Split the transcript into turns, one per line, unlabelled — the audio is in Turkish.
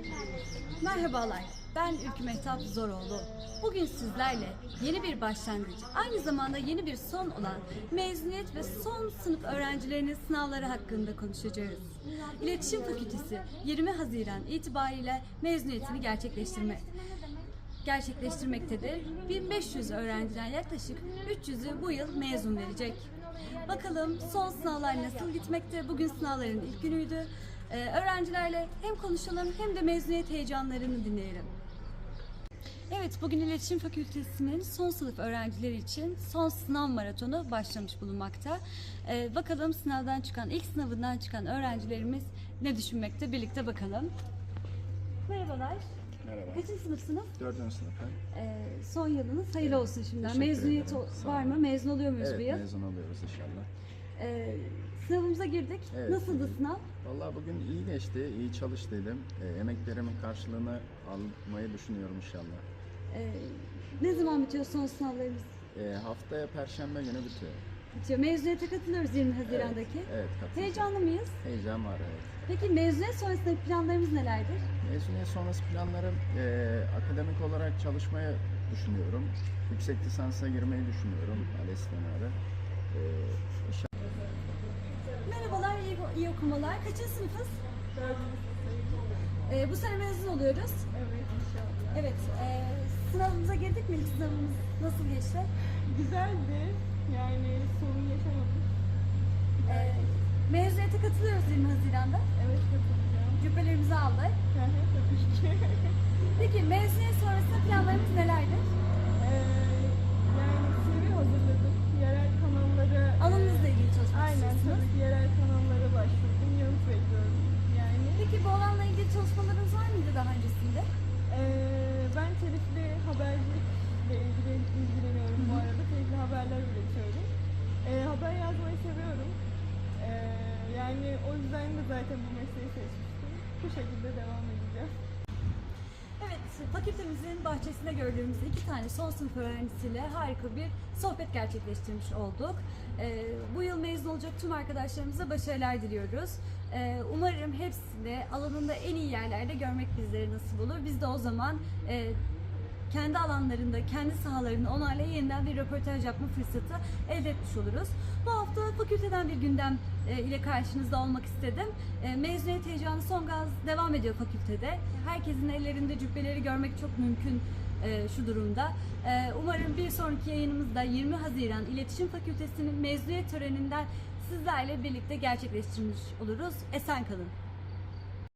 Merhabalar, ben Ülkü Mehtap Zoroğlu. Bugün sizlerle yeni bir başlangıç, aynı zamanda yeni bir son olan mezuniyet ve son sınıf öğrencilerinin sınavları hakkında konuşacağız. İletişim Fakültesi 20 Haziran itibariyle mezuniyetini gerçekleştirmektedir. 1500 öğrenciden yaklaşık 300'ü bu yıl mezun verecek. Bakalım son sınavlar nasıl gitmekte? Bugün sınavların ilk günüydü. Öğrencilerle hem konuşalım hem de mezuniyet heyecanlarını dinleyelim. Evet, bugün İletişim Fakültesi'nin son sınıf öğrencileri için son sınav maratonu başlamış bulunmakta. Bakalım ilk sınavından çıkan öğrencilerimiz ne düşünmekte? Birlikte bakalım. Merhabalar.
Merhaba.
Kaçıncı sınıfsınız?
4. sınıfım.
Son yılınız hayırlı olsun şimdiden.
Teşekkür
Mezuniyet
ederim. Sağ
var
olun.
mı? Mezun oluyor muyuz bu yıl?
Evet, mezun oluyoruz inşallah.
Sınavımıza girdik.
Evet.
Nasıldı sınav?
Vallahi bugün iyi geçti, iyi çalıştıydım. Emeklerimin karşılığını almayı düşünüyorum inşallah.
Ne zaman bitiyor son sınavlarımız?
Haftaya Perşembe günü bitiyor.
Bitiyor. Mezuniyete katılıyoruz 20 Haziran'daki.
Evet, katılacağım.
Heyecanlı mıyız?
Heyecan var, evet.
Peki mezuniyet sonrasındaki planlarımız nelerdir?
Mezuniyet sonrası planlarım akademik olarak çalışmayı düşünüyorum. Yüksek lisansa girmeyi düşünüyorum. ALES kenarı.
Merhabalar, iyi okumalar. Kaçıncı sınıfız?
4. sınıftayım.
Bu sene mezun oluyoruz.
Evet inşallah.
Evet, sınavımıza girdik mi? İlk sınavımız nasıl geçti?
Güzeldi. Yani sorun yaşamadım.
Mezuniyete katılıyoruz 20 Haziran'da.
Evet katılacağım.
Cübbelerimizi aldık.
Tabii ki.
Peki mezuniyet sonrasında planlarımız nelerdir?
Yani CV hazırladım. Yerel kanallara...
Alanınızla ilgili çalışmak
Aynen
istiyorsunuz.
tabii ki yerel kanallara başvurdum. Yanıt bekliyorum. Yani
Peki bu alanla ilgili çalışmalarınız var mıydı daha öncesinde?
ben telifli habercilikle ilgileniyorum bu arada. Telifli haberler üretiyorum. Haber yazmayı seviyorum. Yani o yüzden de zaten bu mesleği seçmiştim. Bu şekilde devam edeceğim.
Evet, fakültemizin bahçesinde gördüğümüz iki tane son sınıf öğrencisiyle harika bir sohbet gerçekleştirmiş olduk. Bu yıl mezun olacak tüm arkadaşlarımıza başarılar diliyoruz. Umarım hepsini alanında en iyi yerlerde görmek bizlere nasip olur. Biz de o zaman kendi alanlarında, kendi sahalarında onlarla yeniden bir röportaj yapma fırsatı elde etmiş oluruz. Bu hafta fakülteden bir gündem ile karşınızda olmak istedim. Mezuniyet heyecanı son gaz devam ediyor fakültede. Herkesin ellerinde cübbeleri görmek çok mümkün şu durumda. Umarım bir sonraki yayınımızda 20 Haziran İletişim Fakültesi'nin mezuniyet töreninden sizlerle birlikte gerçekleştirmiş oluruz. Esen kalın.